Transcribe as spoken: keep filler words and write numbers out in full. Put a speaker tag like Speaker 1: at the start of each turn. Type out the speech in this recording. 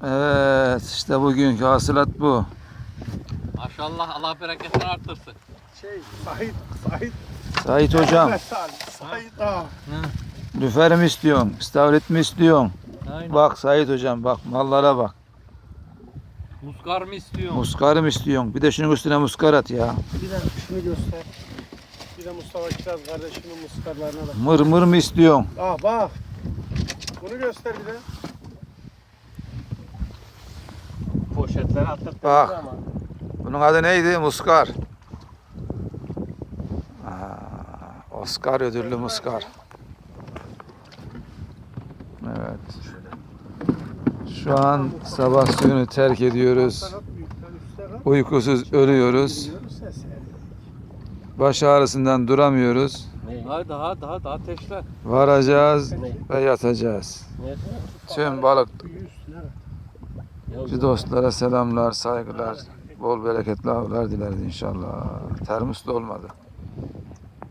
Speaker 1: Evet, işte bugünkü hasılat bu.
Speaker 2: Maşallah, Allah bereketini arttırsın.
Speaker 3: Şey, Sait, Sait.
Speaker 1: Sait hocam,
Speaker 3: Mehmet Ali, Sait ağa.
Speaker 1: lüfer mi istiyorsun, istavrit mi istiyorsun?
Speaker 2: Aynen.
Speaker 1: Bak Sait hocam, bak mallara bak.
Speaker 2: Muskar mı istiyorsun?
Speaker 1: Muskar mı istiyorsun? Bir de şunun üstüne muskar at ya.
Speaker 3: Bir de şunu göster. Bir de Mustafa Kiraz kardeşinin muskarlarına bak.
Speaker 1: Mır mır mı istiyorsun?
Speaker 3: Ah bak. Bunu göster bir de. Poşetleri attık.
Speaker 1: Bak.
Speaker 3: Ama.
Speaker 1: Bunun adı neydi? Muskar. Aa, Oscar ödüllü muskar. Evet. Şu an sabah suyunu terk ediyoruz. Uykusuz ölüyoruz. Baş ağrısından duramıyoruz.
Speaker 2: Daha daha daha daha ateşle.
Speaker 1: Varacağız ve yatacağız. Tüm balık dostlara selamlar, saygılar, bol bereketli avlar dileriz inşallah. Termos da olmadı.